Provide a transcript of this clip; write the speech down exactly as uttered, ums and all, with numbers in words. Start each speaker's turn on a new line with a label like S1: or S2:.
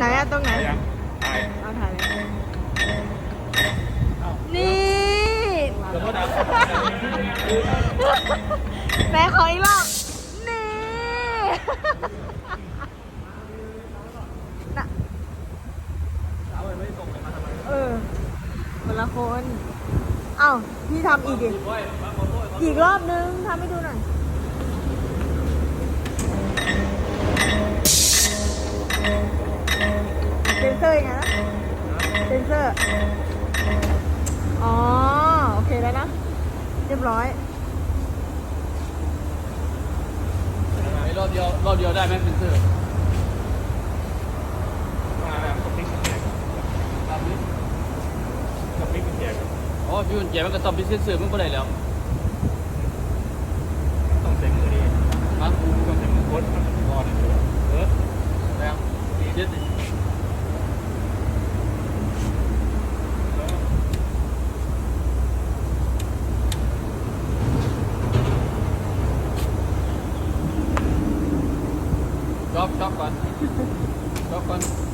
S1: ไหนอะตรงไหน
S2: ยังถ่าย
S1: เอาถ่ายเลยนี่
S2: เดี๋ยวก็ดับ
S1: แม่ขออีกรอบนี่น่ะ
S2: เอาไปไม่ส่งเลยมาทำไม
S1: เออคนละคน เอ้าพี่ทำอีกดิ อีกรอบนึงทำให้ดูหน่อย เซนเซอร์ยังไงนะเซนเซอร์ อ๋อ โอเคแล้วนะ เรียบร้อย
S3: รอบเดียวรอบเดียวได้ไหมเป็นเสื้อ
S2: มาแบบสติ๊กเกียร์
S3: ตามนี้
S2: สติ๊กเกียร์
S3: อ๋อพี่มันแย่มันก็ต้องเป็นเสื้อมันก็ได้แล้ว
S2: ต้องเซ็งมือดี
S3: ฮะ
S2: ต้องเซ็งมือโคตรมันก่อนเออ
S3: แรงเจ็ดช็อกช็อกก่อนช็อกก่อน